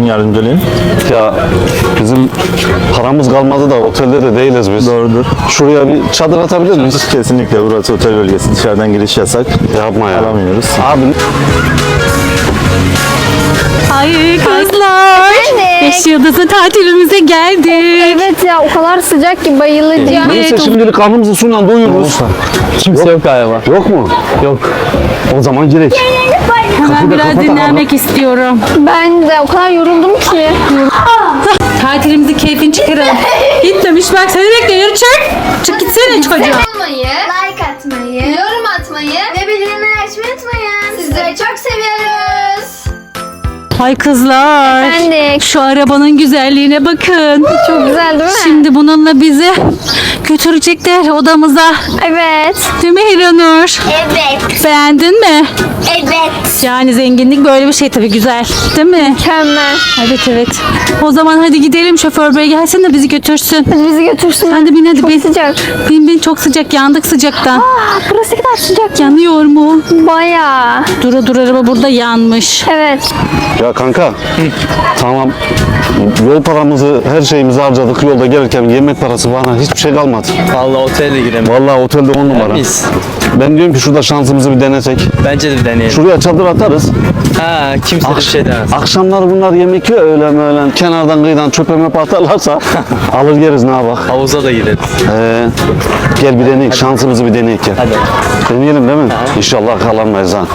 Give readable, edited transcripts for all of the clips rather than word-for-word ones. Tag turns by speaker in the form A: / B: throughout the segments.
A: yardımcı olayım.
B: Ya bizim paramız kalmadı da otelde de değiliz biz.
A: Doğrudur.
B: Şuraya bir çadır atabilir miyiz?
A: Kesinlikle burası otel bölgesi. Dışarıdan giriş yasak.
B: Yapma ya.
A: Alamıyoruz.
B: Abi
C: Ay kızlar.
D: Efendim?
C: 5 yıldızlı tatilimize geldik.
D: Evet ya, o kadar sıcak ki bayılacağım.
B: neyse
C: Evet,
B: şimdilik karnımızı suyla doyururuz.
E: Kimse yok galiba.
B: Yok mu?
E: Yok.
B: O zaman girek.
C: Hemen biraz dinlenmek istiyorum.
D: Ben de o kadar yoruldum ki.
C: Tatilimizi keyfini çıkaralım. Gitmemiş bak seni bekliyorum. Çık. Çık gitsene çocuğum.
F: olmayı, like atmayı, yorum atmayı ve bildirimleri açmayı unutmayın. Sizleri çok seviyoruz.
C: Ay kızlar.
D: Efendim?
C: Şu arabanın güzelliğine bakın.
D: Çok güzel değil mi?
C: Şimdi bununla bizi götürecekler odamıza.
D: Evet.
C: Değil mi Hiranur?
F: Evet,
C: Beğendin mi?
F: evet.
C: Yani zenginlik böyle bir şey tabii, güzel. Değil mi?
D: Mükemmel.
C: Evet evet. O zaman hadi gidelim, şoför bey gelsin de bizi götürsün.
D: Hadi bizi götürsün.
C: Sen de bin hadi
D: Çok
C: bin.
D: sıcak.
C: Bin çok sıcak, yandık sıcaktan.
D: Burası ne kadar sıcak.
C: Yanıyor mu?
D: Bayağı.
C: Dur araba burada yanmış.
D: Evet.
B: Ya kanka. Tamam. Yol paramızı, her şeyimizi harcadık. Yolda gelirken yemek parası bana hiçbir şey kalmadı.
E: Vallahi otele girelim.
B: Vallahi otelde 10 numara.
E: Biz.
B: Ben diyorum ki şurada şansımızı bir denesek.
E: Bence de bir deneyelim.
B: Şuraya çadır atarız.
E: Ha, kimse de bir şey demez.
B: Akşamlar bunlar yemek yiyor öğlen kenardan kıyıdan çöpe möpe atarlarsa alır yeriz ne bak.
E: Havuza da gideriz.
B: Gel bir deneyek, şansımızı bir deneyek gel.
E: Hadi.
B: Deneyelim değil mi? İnşallah kalanmayız ha.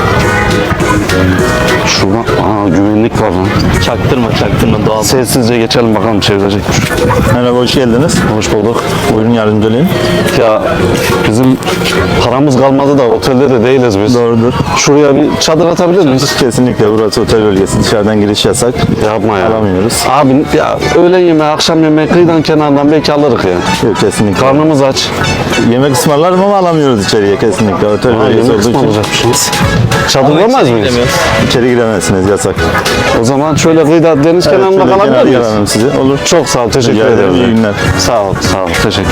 B: Şurada güvenlik var lan.
E: Çaktırma doğal.
B: Sessizce geçelim bakalım çevirecekmiş.
A: Merhaba, hoş geldiniz.
B: Hoş bulduk.
A: Buyurun yardımcı olayım.
B: Ya bizim paramız kalmadı da otelde de değiliz biz.
A: Doğrudur.
B: Şuraya bir çadır atabilir miyiz?
A: Kesinlikle burası otel bölgesi. Dışarıdan giriş yasak.
B: Yapma ya.
A: Alamıyoruz.
B: Abi ya öğlen yemeği, akşam yemeği kıyıdan kenardan belki alırız ya.
A: Yok, kesinlikle.
B: Karnımız aç.
A: Yemek ısmarlarım ama alamıyoruz içeriye kesinlikle. Otel bölgesi
B: Yemek
A: olduğu için
B: ısmarlayacakmışız. Çadırlamaz mıyız?
A: içeri giremezsiniz, yasak.
B: O zaman şöyle kıyıda deniz kenarında
A: şöyle
B: kalabilir
A: kenarda
B: miyiz?
A: kalalım sizi. Olur.
B: Çok sağ ol, teşekkür
A: Rica ederim,
B: ederim.
A: iyi günler.
B: Sağ ol, teşekkür.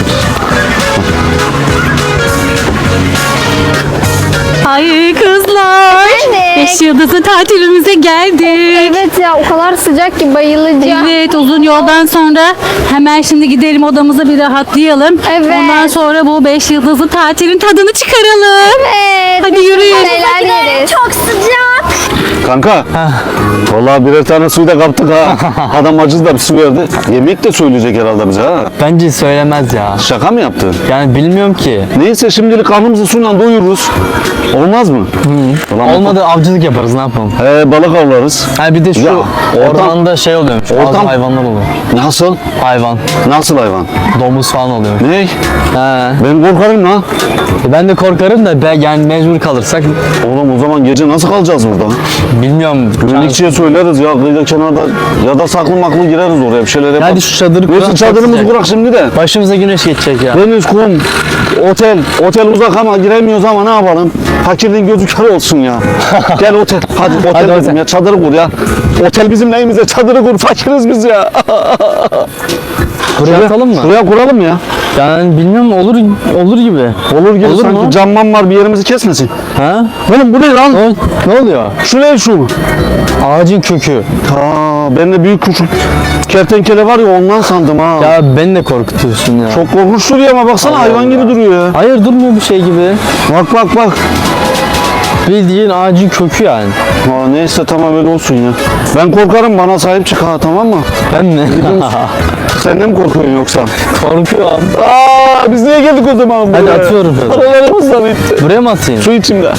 C: Ay kızlar.
D: Efendim?
C: 5 yıldızlı tatilimize geldik.
D: Evet ya, o kadar sıcak ki bayılacağım.
C: Evet, uzun yoldan sonra hemen şimdi gidelim odamıza, bir rahatlayalım.
D: Evet.
C: Ondan sonra bu 5 yıldızlı tatilin tadını çıkaralım.
D: Evet.
C: Hadi yürüyün.
D: Neler yeriz.
F: Çok sıcak.
B: Kanka, vallahi birer tane suyu da kaptık ha. Adam acız da bir su verdi. Yemek de söyleyecek herhalde bize ha.
E: Bence söylemez ya.
B: Şaka mı yaptın?
E: Yani bilmiyorum ki.
B: Neyse şimdilik karnımızı suyla doyururuz. Olmaz mı? Ulan
E: Olmadı avcılık yaparız, ne yapalım?
B: balık avlarız.
E: Ha bir de şu
B: Ya,
E: ormanda şey oluyormuş.
B: ortam-
E: Bazı hayvanlar oluyor.
B: Nasıl?
E: Hayvan.
B: Nasıl hayvan?
E: Domuz falan oluyor.
B: Ne?
E: Ha.
B: Ben korkarım lan.
E: Ben de korkarım da yani mecbur kalırsak
B: Oğlum o zaman gece nasıl kalacağız burada?
E: bilmiyorum.
B: Güvenlikçiye söyleriz ya kıyıda kenarda ya da saklı maklı gireriz oraya bir şeyler yaparız.
E: Hadi şu çadırı
B: Neyse
E: kuralım,
B: çadırımızı
E: çok
B: kurak şimdi de.
E: Başımıza güneş geçecek ya.
B: Deniz, kum, otel uzak ama giremiyoruz ama ne yapalım? Fakirliğin gözü kör olsun ya. Gel otel, hadi otel
E: Hadi
B: dedim
E: otel.
B: ya, çadırı kur ya. Otel bizim neyimize, çadırı kur, fakiriz biz ya.
E: Buraya atalım mı?
B: Buraya kuralım ya.
E: Yani bilmiyorum, olur gibi.
B: Olur gibi
E: Olur
B: sanki
E: mu?
B: camman var bir yerimizi kesmesin.
E: Ha?
B: Oğlum bu ne lan?
E: Ne oluyor?
B: Şu ne şu?
E: Ağacın kökü.
B: Ben de büyük küçük kertenkele var ya ondan sandım ha.
E: Ya beni de korkutuyorsun ya.
B: Çok korkunç duruyor ama baksana
E: Allah
B: hayvan
E: Allah.
B: gibi duruyor ya.
E: Hayır, durmuyor bir şey gibi.
B: Bak.
E: Bildiğin ağacın kökü yani.
B: Neyse tamam öyle olsun ya. Ben korkarım bana sahip çık ha tamam mı?
E: Ben mi?
B: Sen de mi korkuyorsun yoksa?
E: Korkuyorum.
B: Biz niye geldik o zaman buraya?
E: Hadi atıyorum.
B: Paralarımız da bitti.
E: Buraya mı atayım?
B: Su içimde.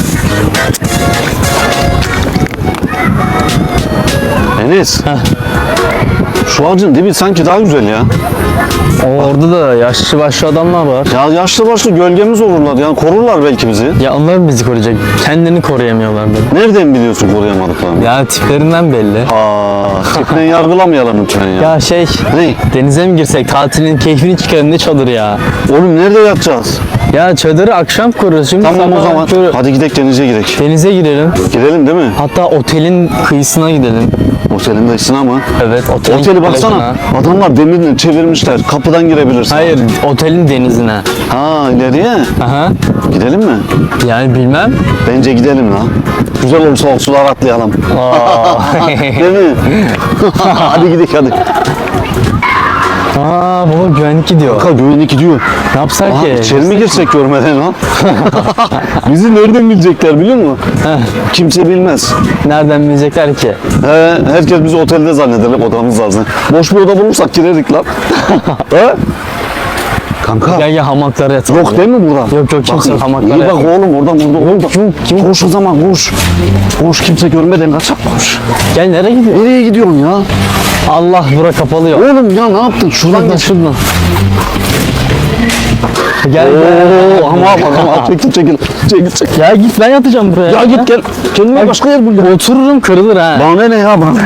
B: Enes. Şu ağacın dibi sanki daha güzel ya.
E: Orada da yaşlı başlı adamlar var.
B: Ya yaşlı başlı gölgemiz olurlar yani korurlar belki bizi.
E: Ya onlar mı bizi koruyacak? Kendini koruyamıyorlar böyle.
B: Nereden biliyorsun koruyamadıklarını?
E: Ya tiplerinden belli.
B: Tipten yargılamayalım lütfen ya.
E: Ya şey,
B: Ne?
E: denize mi girsek, tatilin keyfini çıkarın, ne çadır ya.
B: Oğlum nerede yatacağız?
E: Ya çadırı akşam kurarız. Şimdi
B: Tamam o
E: sabah
B: zaman.
E: şöyle
B: Hadi gidelim denize gidelim.
E: denize girelim.
B: Gidelim değil mi?
E: Hatta otelin kıyısına gidelim.
B: Otelin dışına mı?
E: Evet, otelin
B: Oteli baksana.
E: plajına.
B: Adamlar demirle çevirmişler. Kapı kapıdan girebilirsin.
E: Hayır, otelin denizine.
B: Ha ileriye.
E: Aha.
B: Gidelim mi?
E: Yani bilmem.
B: Bence gidelim lan. Güzel olursa o sular atlayalım. Değil mi? Hadi gidelim hadi.
E: Aa baba güvenlik gidiyor.
B: Kanka güvenlik gidiyor.
E: Ne yapsak
B: Aha,
E: ki?
B: içeri mi girsek görmeden lan? Bizi nereden bilecekler biliyor musun? Kimse bilmez.
E: Nereden bilecekler ki?
B: Herkes bizi otelde zanneder odamız lazım. Boş bir oda bulursak girerik lan. He? Kanka.
E: Gel hamaklara yatalım.
B: Yok değil mi burada?
E: Yok kimse hamaklara
B: İyi bak
E: yatalım.
B: oğlum oradan burada. Koş o zaman koş. Koş kimse görmeden kaçak koş.
E: Gel nereye gidiyor?
B: Nereye gidiyorsun ya?
E: Allah bura kapalı yok.
B: Oğlum ya ne yaptın? Şuradan geç.
E: Şuradan. Gel
B: Oo, ama çekil.
E: Ya git ben yatacağım buraya.
B: Ya git gel. Kendine başka yer bul. Ya.
E: Otururum kırılır ha.
B: Bana ne ya bana?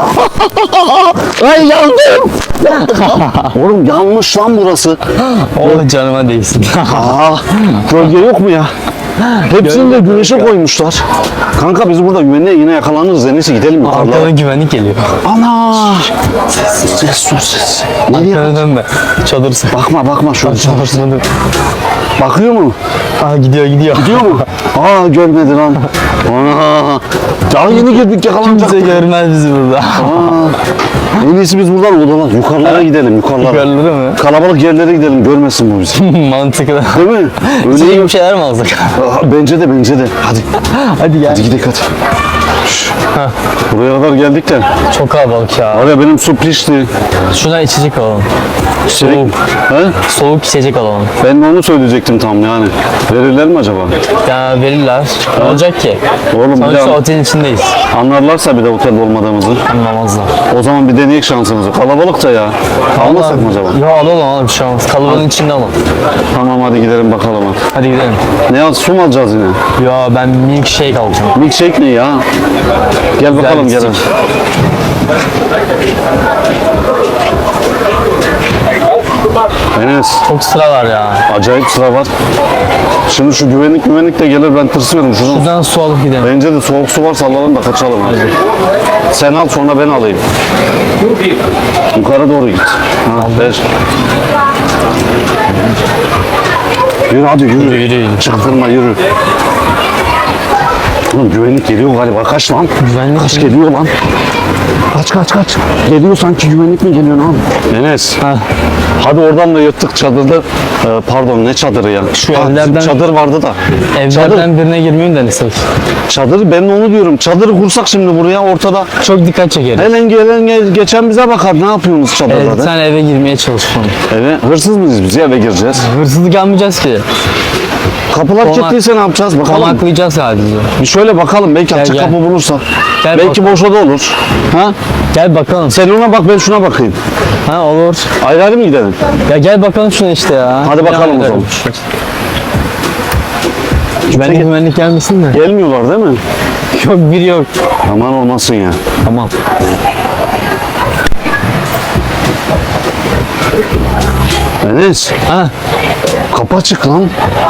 B: Ay yandım. Oğlum yanmış lan burası.
E: Oh canıma değsin.
B: Aa, gölge yok mu ya? Hepsini de güneşe koymuşlar. Kanka biz burada güvenliğe yine yakalanırız. En iyisi gidelim yukarılara.
E: Arkadan güvenlik geliyor.
B: Ana! Ses. Nereye?
E: Arkadan dönme. Çadırsın.
B: Bakma şöyle.
E: Çadırsın.
B: Bakıyor mu?
E: Aa gidiyor.
B: Gidiyor mu? Aa görmedi lan. Ana! Daha yeni girdik yakalanacak.
E: Kimse görmez bizi burada.
B: En iyisi biz buradan odalar. Yukarılara gidelim yukarılara.
E: Yukarıları mı?
B: Kalabalık yerlere gidelim görmesin bu bizi.
E: Mantıklı.
B: Değil mi? Öyle
E: İyi
B: iyi.
E: bir şeyler mi alsak?
B: Bence de. Hadi.
E: Hadi gel.
B: Hadi gidelim hadi. Şş, buraya kadar geldik de.
E: Çok kalabalık ya.
B: Var ya benim su pişti.
E: Şuradan içecek alalım. Soğuk.
B: He?
E: Soğuk içecek alalım.
B: Ben de onu söyleyecektim tam yani. Verirler mi acaba?
E: Ya verirler. Ne olacak ki?
B: Oğlum bir
E: Sonuçta
B: de
E: otelin içindeyiz.
B: anlarlarsa bir de otel olmadığımızı.
E: Anlamazlar.
B: O zaman bir deneyek şansımızı. Kalabalık da ya. Almasak mı acaba?
E: Ya alalım bir şey olmaz. Kalabalığın içinde alalım.
B: Tamam hadi gidelim bakalım.
E: Hadi gidelim.
B: Ne al? Su mu alacağız yine?
E: Ya ben milkshake alacağım.
B: Milkshake ne ya? Gel bakalım gel.
E: içecek.
B: Enes
E: Çok sıra var ya.
B: acayip sıra var. Şimdi şu güvenlik de gelir ben tırsıyorum şuradan.
E: Buradan su alıp gidelim.
B: Bence de soğuk su varsa alalım da kaçalım. Hadi. Sen al sonra ben alayım. Yukarı doğru git. Ha, ver. Yürü hadi yürü.
E: Yürü.
B: Çaktırma yürü. Oğlum güvenlik geliyor galiba. Kaç lan?
E: Güvenlik
B: Kaç
E: mi?
B: geliyor lan? Kaç. Geliyor sanki güvenlik mi geliyor lan? Enes. Hadi oradan da yırttık çadırda. Pardon ne çadırı ya?
E: Şu evlerden-
B: Çadır vardı da.
E: Evlerden birine girmeyi mi denesek?
B: Çadır ben de onu diyorum. Çadırı kursak şimdi buraya ortada.
E: Çok dikkat çeker.
B: Helen gelen geçen bize bakar. Ne yapıyorsunuz çadırda?
E: Evet,
B: de?
E: sen eve girmeye çalışalım.
B: Eve hırsız mıyız biz eve gireceğiz.
E: Hırsızlık yapmayacağız ki.
B: Kapılar
E: Konak-
B: kilitliyse ne yapacağız bakalım.
E: Konaklayacağız sadece.
B: Bir şöyle bakalım belki açık
E: gel.
B: kapı bulursak.
E: Gel
B: Belki boş oda olur. Ha?
E: Gel bakalım.
B: Sen ona bak ben şuna bakayım.
E: Ha olur.
B: Ayrı ayrı mı gidelim?
E: Ya gel bakalım şuna işte ya.
B: Hadi bakalım o
E: Ya,
B: zaman.
E: Güvenlik gelmesin de.
B: Gelmiyorlar değil mi?
E: Yok biri yok.
B: Aman olmasın ya.
E: Tamam.
B: Enes
E: Ha.
B: kapı açık lan.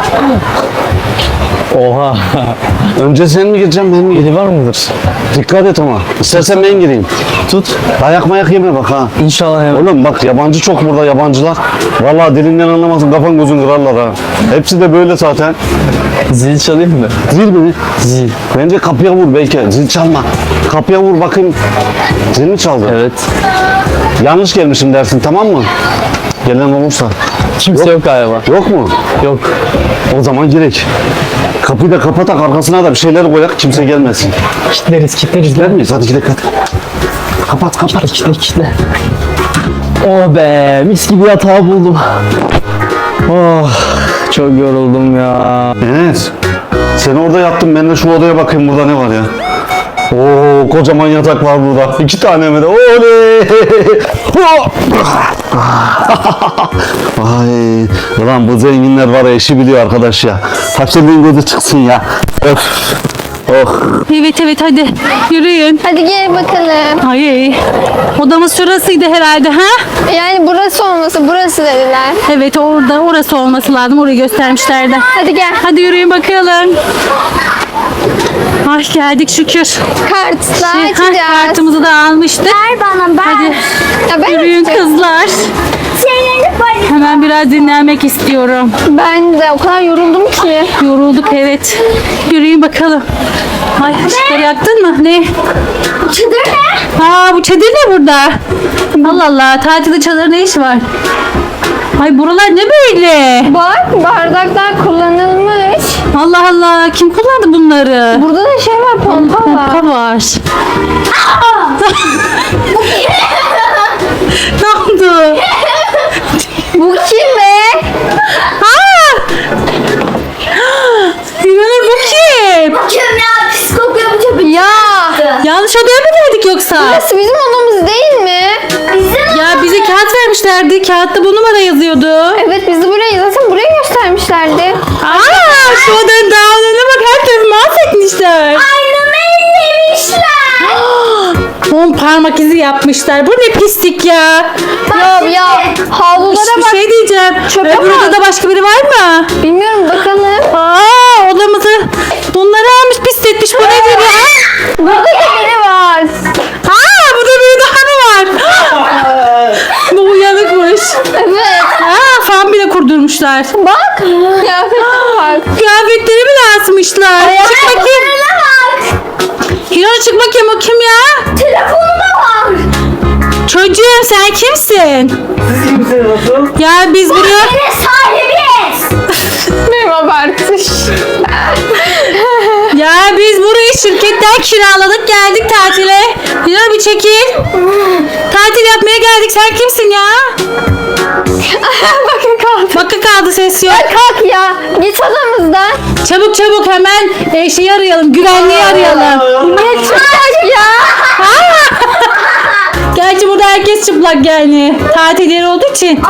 E: Oha.
B: Önce sen mi gireceksin ben mi gireyim?
E: Biri var mıdır?
B: Dikkat et ama. İstersen ben gireyim.
E: Tut.
B: Dayak mayak yeme bak ha.
E: İnşallah hemen.
B: Oğlum bak yabancı çok burada yabancılar. Vallahi dilinden anlamazsın kafan gözün kırarlar ha. Hepsi de böyle zaten.
E: Zil çalayım mı?
B: Zil mi?
E: Zil.
B: Bence kapıya vur belki. Zil çalma. Kapıya vur bakayım. Zil mi çaldı?
E: Evet.
B: Yanlış gelmişim dersin tamam mı? Gelen olursa.
E: Kimse yok galiba.
B: Yok mu?
E: Yok.
B: O zaman girek. Kapıyı da kapatak arkasına da bir şeyler koyak kimse gelmesin.
E: Kitleriz.
B: Gider miyiz? Hadi gidelim hadi. Kapat.
E: Kitle. Oh be, mis gibi yatağı buldum. Oh, çok yoruldum ya.
B: Enes. Sen orada yattın ben de şu odaya bakayım burada ne var ya. Oo kocaman yatak var burada. 2 tane mi de? Oley! Ay, ulan bu zenginler var ya işi biliyor arkadaş ya. Fakirliğin gözü çıksın ya. Öf. Oh.
C: Evet hadi yürüyün.
D: Hadi gel bakalım.
C: Ay odamız şurasıydı herhalde ha?
D: Yani burası olması burası dediler.
C: Evet orası olması lazım. Orayı göstermişlerdi.
D: Hadi gel.
C: Hadi yürüyün bakalım. Ay geldik şükür.
D: Kartla
C: Ha,
D: açacağız.
C: kartımızı da almıştık.
F: Ver bana ben.
C: Hadi
D: Ya ben
C: yürüyün
D: açacağım.
C: kızlar.
F: Şeyleri
C: Hemen biraz dinlenmek istiyorum.
D: Ben de o kadar yoruldum ki.
C: Yorulduk evet. Yürüyün bakalım. Ay ışıkları yaktın mı? Ne?
F: Çadır ne?
C: Aa bu çadır ne burada? Allah Allah, tatilde çadır ne işi var? Ay buralar ne böyle?
D: Bak bardaklar kullanılmış.
C: Allah Allah, kim kullandı bunları?
D: Burada da şey var, pompa var.
C: Pompa var. Ne oldu?
D: Bu kim be?
C: Aa! İnanın bu kim?
F: Kim ya? Pis kokuyor bu çöpü.
D: Ya
C: Yanlış odaya mı geldik yoksa?
D: burası bizim odamız değil mi?
F: Bizim
C: Ya bize kağıt vermişlerdi. Kağıtta bu numara yazıyordu.
D: Evet bizi buraya zaten buraya göstermişlerdi.
C: Aa, şu odanın dağılığına bak, her tarafı mahvetmişler.
F: aynamı ellemişler.
C: 10 parmak izi yapmışlar. Bu ne pislik ya.
D: Ya havlulara
C: Bir
D: bak.
C: şey diyeceğim.
D: Çöpe
C: Öbür
D: bak.
C: odada başka biri var mı?
D: Bilmiyorum bakalım.
C: Aa, odamızı bunları almış, pisletmiş. Bu nedir ya?
D: Burada da biri var.
C: Aa, burada biri daha mı var? Bu uyanıkmış.
D: Evet.
C: Aa, fan bile kurdurmuşlar.
D: Bak. Kıyafetine bak.
C: Kıyafetleri bile asmışlar. Çık bakayım. Hilal çık bakayım, o kim ya?
F: Telefonuma bak.
C: Çocuğum sen kimsin?
B: Siz kimsiniz nasıl?
C: Ya biz buraya...
F: Ne sahibiyiz.
D: Merhaba artış.
C: Ya biz burayı şirketten kiraladık, geldik tatile. Hilal bir çekil. Tatil yapmaya geldik, sen kimsin ya?
D: Bakın kaldı.
C: Bakı kaldı, ses yok.
D: Kalk ya. Git odamızdan.
C: Çabuk çabuk hemen şeyi arayalım, güvenliği arayalım.
D: Ne çıkacak ya?
C: Gerçi burada herkes çıplak yani. Tatil yeri olduğu için.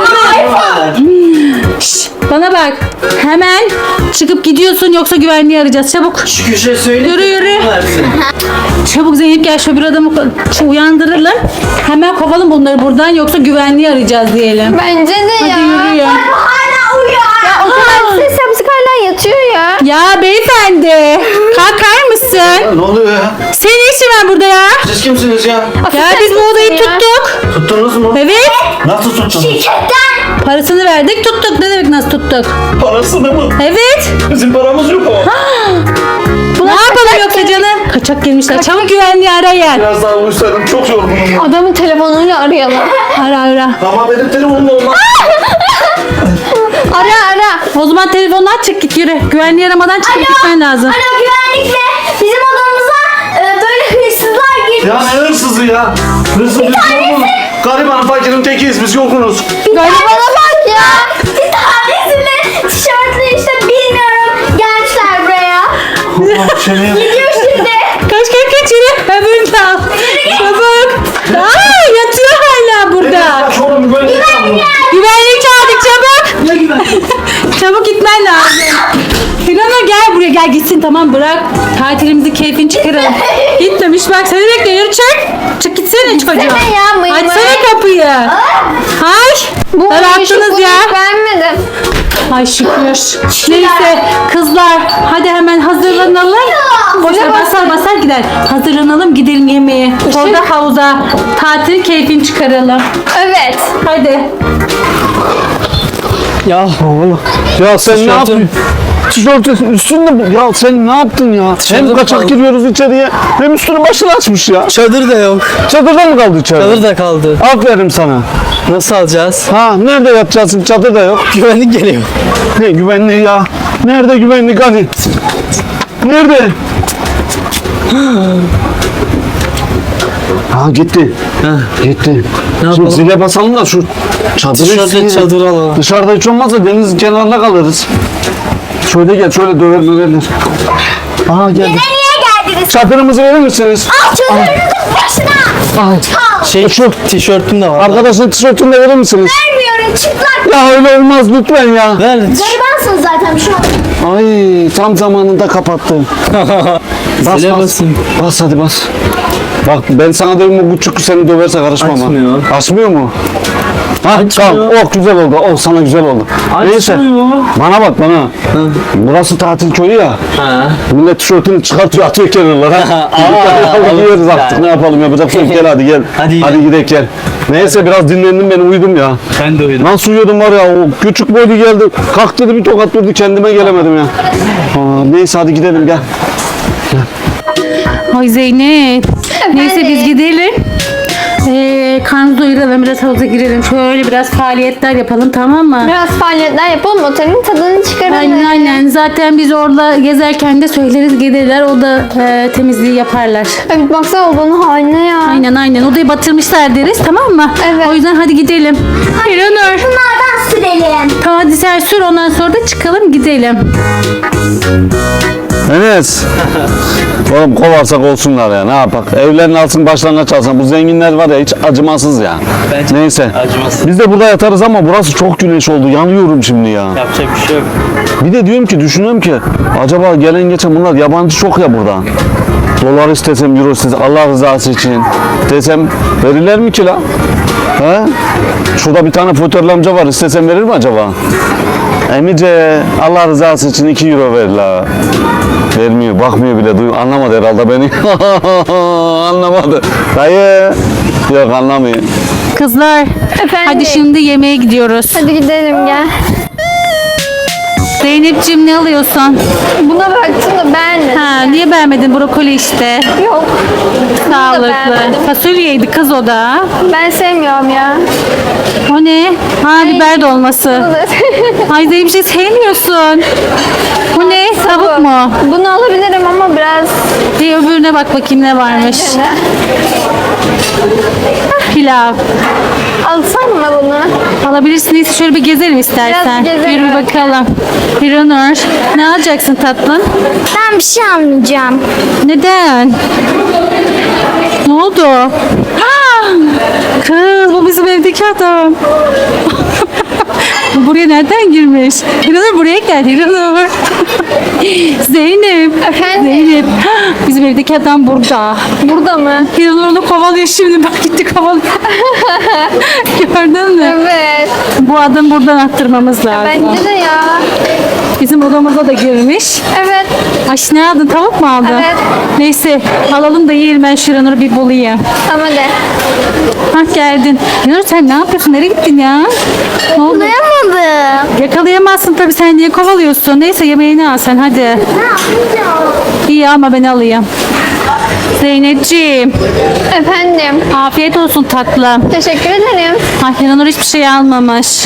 C: Şş, bana bak. Hemen çıkıp gidiyorsun, yoksa güvenliği arayacağız. Çabuk.
B: Şu köşeye söyle.
C: Yürü, yürü. Çabuk Zeynep, gel şu bir adamı uyandıralım. Hemen kovalım bunları buradan, yoksa güvenliği arayacağız diyelim.
D: Bence de ya.
C: Hadi yürüyün.
F: Hala uyuyor.
D: Ya o kadar ses yapsak hala yatıyor ya.
C: Ya beyefendi, kalkar mısın?
B: Ne oluyor ya?
C: Senin ne işin var burada ya?
B: Siz kimsiniz ya?
C: Ya biz bu odayı
D: ya.
C: tuttuk.
B: Tuttunuz mu?
C: Evet.
B: Nasıl tuttunuz?
F: Şirketten.
C: Parasını verdik, tuttuk. Ne demek nasıl tuttuk?
B: Parasını mı?
C: Evet.
B: Bizim paramız yok ama.
C: Ne yapalım yoksa canım? Kaçak girmişler. Çabuk güvenliği arayın.
B: Biraz daha uyusaydım, çok yorgunum.
D: Adamın telefonuyla arayalım.
C: Ara.
B: Ama benim telefonum olmaz.
D: Ara.
C: O zaman telefonunu aç, çık git, yürü. Güvenliği aramadan çıkıp gitmen lazım.
F: Alo güvenlikle bizim odamıza böyle hırsızlar girdi.
B: Ya ne hırsızı ya? Hırsız biz yokuz. Gariban fakirin tekiyiz, biz yokunuz.
D: Garibana bak ya.
F: Bir tanesini tişörtlü işte bilmiyorum gelmişler buraya.
B: Allah seni.
F: Gidiyor şimdi.
C: Kaç yürü. Öbürünü de al. Çabuk. Aa, yatıyor hala burada.
B: Kaç oğlum böyle yapma.
C: Güvenlik çağırdık, çabuk.
B: Ne güven?
C: Çabuk gitmen lazım. Hilana gel buraya, gel gitsin, tamam bırak. Tatilimizi keyfini çıkaralım. Gitmemiş bak, seni bekliyor, yürü çık. Çık gitsene çocuğum.
D: ya, mıy mıy.
C: Açsana kapıyı. Ay.
D: Bu
C: Bıraktınız ya.
D: Vermedim.
C: Ay şükür. Neyse kızlar, hadi hemen hazırlanalım. Boşver, basar gider. Hazırlanalım, gidelim yemeğe. Orada havuza tatil keyfini çıkaralım.
D: Evet.
C: Hadi.
E: Ya
B: Ya sen ne
E: Tişörtüm.
B: yaptın? Tişörtün üstünde bu. Ya sen ne yaptın ya?
E: Tişörtüm
B: Hem kaçak
E: kaldı.
B: giriyoruz içeriye, hem üstünü başını açmış ya.
E: çadır da yok.
B: Çadırda mı kaldı içeride?
E: Çadır da kaldı.
B: Aferin sana.
E: Nasıl alacağız?
B: Ha, nerede yatacaksın? Çadır da yok.
E: Güvenlik geliyor.
B: Ne güvenliği ya? Nerede güvenlik hani? Nerede? Ha gitti. Gitti. Şimdi
E: yapalım?
B: zile basalım da şu çadırı
E: Dışarıda
B: isteyelim.
E: çadır alalım.
B: Dışarıda hiç olmazsa denizin kenarında kalırız. Şöyle gel, şöyle döverler. Aha geldi.
F: Niye geldiniz?
B: Çadırımızı verir misiniz?
F: Çadırınızın başına.
B: Ay.
E: Şu tişörtüm de var.
B: Arkadaşın tişörtünü de verir misiniz?
F: Vermiyorum çıplak.
B: Ya öyle olmaz lütfen ya.
E: Ver.
F: Garibansınız zaten bir şey olmaz.
B: Ay tam zamanında kapattı. Bas
E: Zile
B: bas.
E: basayım.
B: Bas hadi bas. Bak ben sana dedim bu küçük seni döverse karışmam ha.
E: Açmıyor.
B: Açmıyor mu? Ha tamam. Oh güzel oldu. Oh sana güzel oldu. Neyse.
E: Açmıyor.
B: Bana bak bana. Burası tatil köyü ya.
E: Ha.
B: Millet tişörtünü çıkartıyor atıyor kenarlara.
E: Aa,
B: Giyeriz artık
E: yani.
B: ne yapalım yapacak bir şey yok. Gel hadi gel.
E: Hadi
B: gidelim gel. Neyse biraz dinlendim ben uyudum ya.
E: Ben de uyudum.
B: Nasıl uyuyordum var ya o küçük boylu geldi. Kalk dedi bir tokat vurdu kendime gelemedim ya. Neyse hadi gidelim gel.
C: Ay Zeynep. Neyse biz gidelim. Karnımızı doyuralım, biraz havuza girelim. Şöyle biraz faaliyetler yapalım, tamam mı?
D: Biraz faaliyetler yapalım. Otelin tadını çıkaralım.
C: Aynen. Zaten biz orada gezerken de söyleriz, gelirler. O da temizliği yaparlar.
D: Evet baksana odanın haline ya.
C: Aynen. Odayı batırmışlar deriz, tamam mı?
D: Evet.
C: O yüzden hadi gidelim. İranur.
F: Bunlardan sürelim.
C: Tamam hadi sen sür, ondan sonra da çıkalım gidelim.
B: Enes. Oğlum kovarsak olsunlar ya ne yapak. Evlerin altın başlangıç alsın. Bu zenginler var ya hiç acımasız ya.
E: Bence
B: Neyse.
E: acımasız.
B: Biz de burada yatarız ama burası çok güneş oldu. Yanıyorum şimdi ya.
E: Yapacak bir şey yok.
B: Bir de diyorum ki düşünüyorum ki acaba gelen geçen bunlar yabancı çok ya burada. Dolar istesem, euro istesem, Allah rızası için desem verirler mi ki la? He? Şurada bir tane fotörlü amca var istesem verir mi acaba? Emice Allah rızası için 2 euro ver la. Vermiyor, bakmıyor bile, anlamadı herhalde beni. Anlamadı. Dayı. Yok anlamıyor.
C: Kızlar,
D: Efendim?
C: hadi şimdi yemeğe gidiyoruz.
D: Hadi gidelim gel.
C: Zeynep'ciğim ne alıyorsun?
D: Buna baktım da beğenmedim.
C: Ha, niye beğenmedin? Brokoli işte.
D: Yok.
C: Sağlıklı.
D: beğenmedim.
C: Fasulyeydi kız o da.
D: Ben sevmiyorum ya.
C: O ne? Ha, biber dolması. Ay Zeynep bir şey sevmiyorsun. Bu ne? Tavuk mu?
D: Bunu alabilirim ama biraz
C: Bir öbürüne bak bakayım ne varmış. Pilav.
D: alsam mı bunu?
C: Alabilirsin. Neyse şöyle bir gezelim istersen.
D: Biraz gezelim.
C: Yürü bir bakalım. Hiranur, ne alacaksın tatlım?
F: Ben bir şey almayacağım.
C: Neden? Ne oldu? Ah! Kız bu bizim evdeki adam. Buraya nereden girmiş? Hiranur buraya gel Hiranur. Zeynep.
D: Efendim?
C: Zeynep. Bizim evdeki adam burada.
D: Burada mı?
C: Hiranur onu kovalıyor şimdi. Bak gitti kovalıyor. Gördün mü?
D: Evet.
C: Bu adamı buradan attırmamız lazım.
D: Bence de ya.
C: Bizim odamıza da girmiş.
D: Evet.
C: Ay ne aldın? Tavuk mu aldın?
D: Evet.
C: Neyse alalım da yiyelim, ben Hiranur'u bir bulayım.
D: Tamam hadi.
C: Hah geldin. Hiranur sen ne yapıyorsun? Nereye gittin ya? Ne oldu?
F: Anlayamadım.
C: Yakalayamazsın tabii, sen niye kovalıyorsun? Neyse yemeğini al sen hadi.
F: Ne yapacağım?
C: İyi ama ben alayım. Zeynepciğim
D: Efendim.
C: afiyet olsun tatlım.
D: Teşekkür ederim.
C: Ay Hiranur hiçbir şey almamış.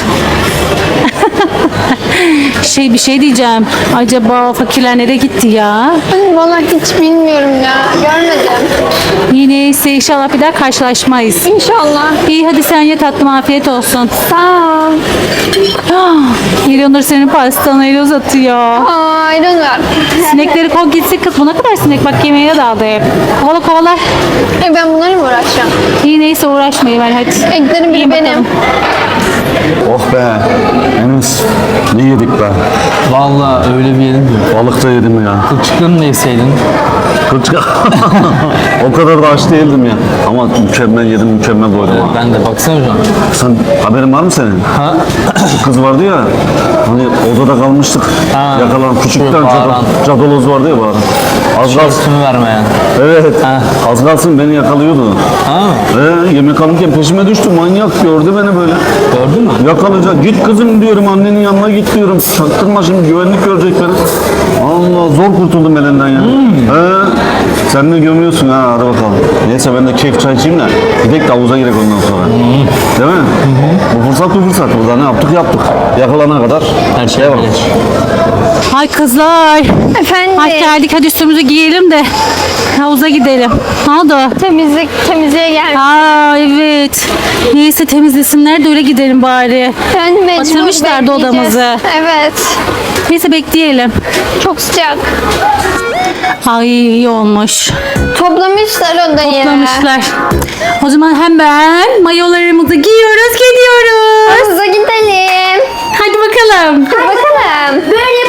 C: Bir şey diyeceğim. Acaba fakirler nereye gitti ya?
D: Vallahi hiç bilmiyorum ya. Görmedim.
C: Yine ise inşallah bir daha karşılaşmayız.
D: İnşallah.
C: İyi hadi sen ye tatlım, afiyet olsun.
D: Sağ ol.
C: İranur senin pastanı el uzatıyor.
D: Ayran var.
C: Sinekleri kov gitsin kız. Bu ne kadar sinek, bak yemeğe daldı hep. Kovala kovala.
D: Ben bunlarla mı uğraşacağım?
C: İyi neyse uğraşmayın ben hadi.
D: Eklerim biri
C: İyi
D: benim.
C: bakalım.
B: Oh be. Enes. Ne yedik be?
E: Vallahi öyle bir yedim ki.
B: Balık da yedim ya.
E: Kılçıklarını da yeseydin.
B: Kılçık. O kadar da aç değildim ya. Ama mükemmel yedim, mükemmel doydum ha.
E: Ben de baksana şu an.
B: Sen haberin var mı senin?
E: Ha?
B: Şu kız vardı ya. Hani odada kalmıştık.
E: Ha.
B: Yakalan küçükten
E: Şu bağıran.
B: cadaloz vardı ya bağıran. Az kalsın.
E: Üstümü vermeyen.
B: Evet.
E: Ha.
B: Az kalsın beni yakalıyordu.
E: Ha?
B: Yemek alırken peşime düştü. Manyak gördü beni böyle.
E: Gördün mü?
B: Yakalayacak. Git kızım diyorum, annenin yanına git diyorum. Çaktırma şimdi, güvenlik görecek beni. Allah, zor kurtuldum elinden ya. Sen ne gömüyorsun ha, hadi bakalım. Neyse ben de keyif çay içeyim de gidelim de havuza girek ondan sonra. Değil mi? Bu fırsat bir fırsat. Burada ne yaptık yaptık. Yakalana kadar.
E: Her şey
B: Devam.
E: bilir.
C: Ay kızlar.
D: Efendim.
C: Hadi geldik, hadi üstümüzü giyelim de havuza gidelim. Ne oldu?
D: Temizliğe gelmiş.
C: Aa evet. Neyse temizlesinler de öyle gidelim bari.
D: Yani mecbur
C: Batırmışlardı
D: bekleyeceğiz.
C: odamızı.
D: Evet.
C: Neyse bekleyelim.
D: Çok sıcak.
C: Ay iyi olmuş.
D: Toplamışlar odayı.
C: Toplamışlar. O zaman hemen mayolarımızı giyiyoruz, gidiyoruz.
D: Havuza gidelim.
C: Hadi bakalım.
D: Bakalım.
F: Böyle